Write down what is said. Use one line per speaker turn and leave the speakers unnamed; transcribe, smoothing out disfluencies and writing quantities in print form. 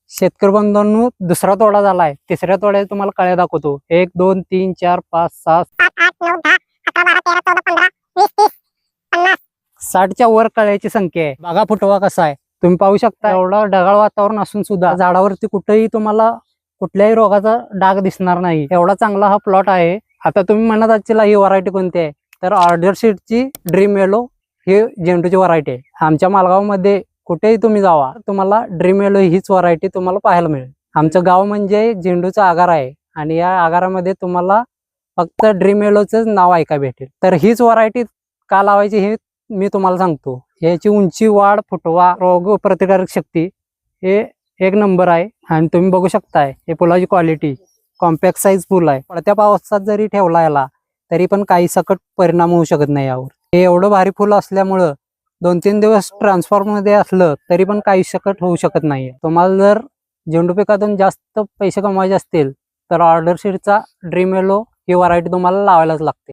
शेतकरी बंधूंनो, दुसरा तोडा झालाय. तिसऱ्या तोड्यात तुम्हाला कळ्या दाखवतो. 1 2 3 4 5 6
7 8 9 10 11 12 13 14 15 20 30 50
60च्या वर कळ्याची संख्या आहे. बघा फुटवा कसा आहे. तुम्ही पाहू शकता एवढं ढगाळ वातावरण असून सुद्धा झाडावरती कुठेही तुम्हाला कुठल्याही रोगाचा डाग दिसणार नाही. एवढा चांगला हा प्लॉट आहे. आता तुम्ही म्हणत आजची ही व्हरायटी कोणती आहे, तर ऑर्डर शीटची ड्रीम येलो ही झेंडूची व्हरायटी आहे. आमच्या मालगावमध्ये कुठेही तुम्ही जावा तुम्हाला ड्रीम येलो हीच व्हरायटी तुम्हाला पाहायला मिळेल. आमचं गाव म्हणजे झेंडूचा आगार आहे आणि या आगारामध्ये तुम्हाला फक्त ड्रीम येलोच नाव ऐकायला भेटेल. तर हीच व्हरायटी का लावायची हे मी तुम्हाला सांगतो. याची उंची, वाढ, फुटवा, रोग प्रतिकारक शक्ती हे एक नंबर आहे. आणि तुम्ही बघू शकताय हे फुलाची क्वालिटी कॉम्पॅक्ट साईज फुल आहे. पडत्या पावसात जरी ठेवला याला तरी पण काही सकट परिणाम होऊ शकत नाही यावर. हे एवढं भारी फुल असल्यामुळं 2-3 दिवस ट्रान्सफॉर्म मध्ये असलं तरी पण काही सकट होऊ शकत नाही. तुम्हाला जर झेंडू पिकातून जास्त पैसे कमवायचे असतील तर ऑर्डर शीटचा ड्रीम येलो ही व्हरायटी तुम्हाला लावायलाच लागते.